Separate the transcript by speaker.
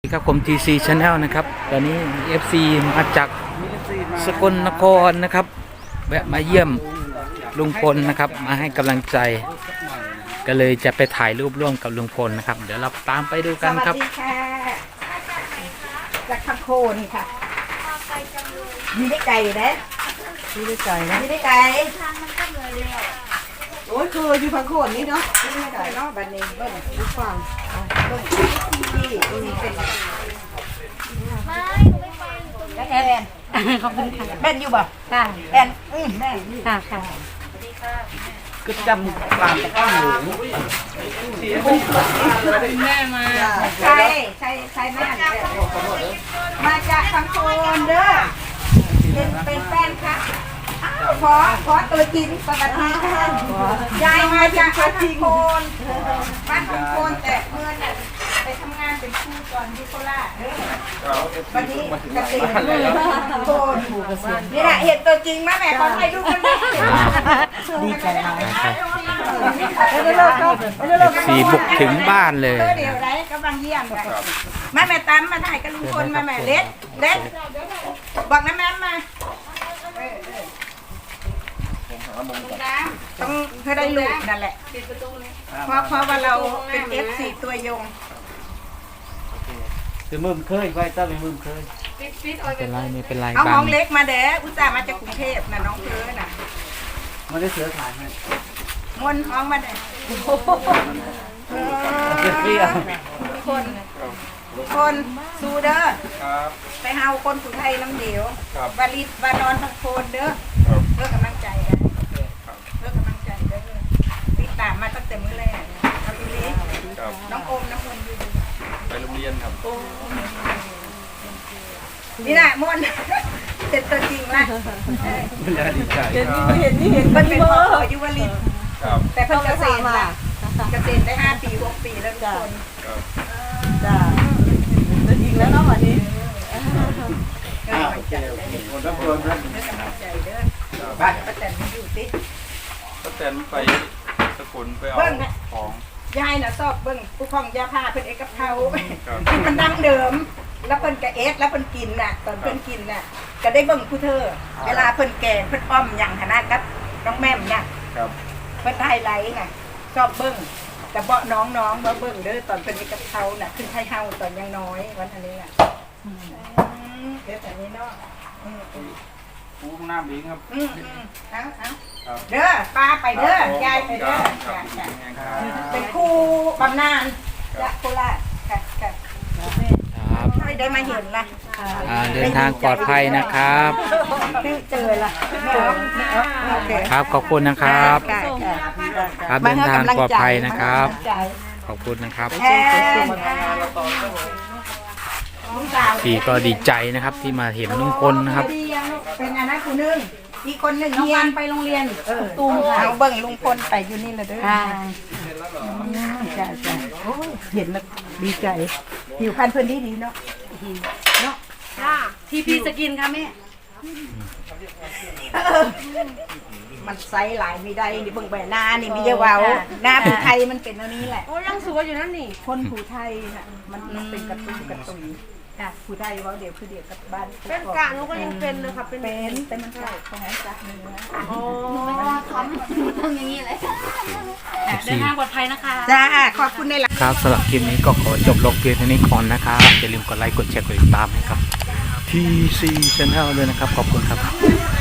Speaker 1: ครับผม TC Channel นะครับตอนนี้ FC มาจากสกลนครนะครับแวะมาเยี่ยมลุงพลนะครับมาให้กำลังใจก็เลยจะไปถ่ายรูปร่วมกับลุงพลนะครับเดี๋ยวเราตามไปดูกันครับ
Speaker 2: สวัสดีค่ะจากคำโคนี่ค่ะมีได้ไก่นะมีได้ไก่นะมีได้ไก่โอ้ยคืออยู่พังโคนนี่เนาะมีได้ไก่เนาะบัดนี้เบิ้ลลูกฟังลงที่ตรงนี้เป็นแอนขอบคุณค่ะแอนอยู่บ่ค่ะแอนแม่ค่ะค่ะ
Speaker 3: ก็จำกลางแต่ข้างหมู
Speaker 2: แม่มาใช่แม่มาจากคำโคนเด้อเป็นแฟนค่ะขอตัวจริงปกติยายมาจากคำโคนบ้านคำโคนแต่เพื่อนไปทำงานเป็นครูก่อนที่โคราชวันนี้เกษตรโคนนี่แหละเห็นตัวจริงมาแม่ขอให้ดูกันดีใจมาก
Speaker 1: FC บุกถึงบ้านเลย
Speaker 2: เดี๋ยวได้กำลังเยี่ยมกันแม่ตั้มมาถ่ายกับลุงพลมาแม่เล็ดบอกนะแม่มาต้องเธอได้ลูกนั่นแหละเพราะว่าเราเป็น F4 ตัวยง
Speaker 3: คือมึมเคยไว้ตั้งเป็นมึมเคย
Speaker 1: เป็นไรไม่เป็นไร
Speaker 2: เอา
Speaker 1: บ้า
Speaker 2: น้องเล็กมาเด้ออุตส่าห์มาจากกรุงเทพนะน้องเธอน่ะ
Speaker 3: มันได้เสือขายไหม
Speaker 2: มวนท้องมาเด้อคนสูเด้อไปเฮาคนสุไทยน้ำเดียววาลิดวานอนทั้งโคนเด้อเพื่อกำลังใจกันเพื่อกำลังใจเด้อติดตามมาตั้งแต่มื้อแรกครับพี่ลิน้องโอมน้องคนอยู่
Speaker 4: ไปโรงเรียนครับ
Speaker 2: นี่แหละมวนเสร็จตัวจริงละ
Speaker 3: มันจะดีใจ
Speaker 2: เห็นมันเป็นพ่ออยู่วาลิดแต่เพิ่งเกษตรละเกษตรได้5 ปี 6 ปีแล้วทุกคน
Speaker 3: จ้าตัวจริงแล้วเนาะวันนี้
Speaker 4: คนรับรองนะ
Speaker 2: ไปป้าแตนอยู่ติ
Speaker 4: ป้าแตนไปสกุลไปเอาของ
Speaker 2: ยายน่ะชอบเบิ่งผู้พองยาผ้าเพิ่นเอกกับเขาที่มันดั้งเดิมแล้วเพิ่นก็เอสแล้วเพิ่นกินน่ะตอนเพิ่นกินน่ะก็ได้เบิ่งผู้เธอเวลาเพิ่นแกงเพิ่นอ้อมหยังหน้ากับน้องแม่มเนี่ยเพิ่นไฮไลท์น่ะชอบเบิ่งแต่เบาะน้องๆบ่เบิ่งเด้อตอนเพิ่นเอกกับเขาน่ะขึ้นไทยเฮาตอนยังน้อยวันอันนี้น่ะเดี๋ยวแต่นี้เนาะ
Speaker 4: ปูข้างหน้าบิงครับ
Speaker 2: เอาเด้อป้าไปเด้อยายไปเด้อเป็นครูบำนาญจากโคราชค่ะได้มาเห็นละ
Speaker 1: เดินทางปลอดภัยนะครับ
Speaker 2: เจอละ
Speaker 1: ครับขอบคุณนะครับครับเดินทางปลอดภัยนะครับขอบคุณนะครับพี่ก็ดีใจนะครับที่มาเห็นลุงพลนะครับ
Speaker 2: เป็นอันนั้นคนนึงอีกคนหนึ่ง
Speaker 5: น้องวันไปโรงเรียนตูมค่ะ
Speaker 2: เอาเบิ่งลุงพลไปอยู่นี่เลยเด้อจ้าเห็นแล้วดีใจผิวพรรณเพิ่นดีเนาะ
Speaker 5: จ้าทีพีสกินค่ะแม่
Speaker 2: มันไซส์หลายมีได้นี่เบิ่งใบหน้านี่มีเยอะเว้าหน้าผู้ไทยมันเป็นอันนี้แหละ
Speaker 5: โอ้ยังสวยอยู่นั่นนี่
Speaker 2: คนผู้ไทยน่ะมันเป็นกระตุ้นผู้ไทยว่าเดี๋ยวคือเดี๋ยวกับบ้าน
Speaker 5: เป็นกะหนูก็ยังเป็นเลยค่ะเป็น
Speaker 2: แต่มันใช่ของจักเนื้อ
Speaker 5: อ๋อไม่ว่าทำต้องอย่างนี้เลยเดินทางปลอดภัยนะคะ
Speaker 2: จ้าขอบคุณในหลัก
Speaker 1: ครับสำหรับคลิปนี้ก็ขอจบลงเพียงเท่านี้ก่อนนะครับอย่าลืมกดไลค์กดแชร์กดติดตามให้ครับ TC Channel ด้วยนะครับขอบคุณครับ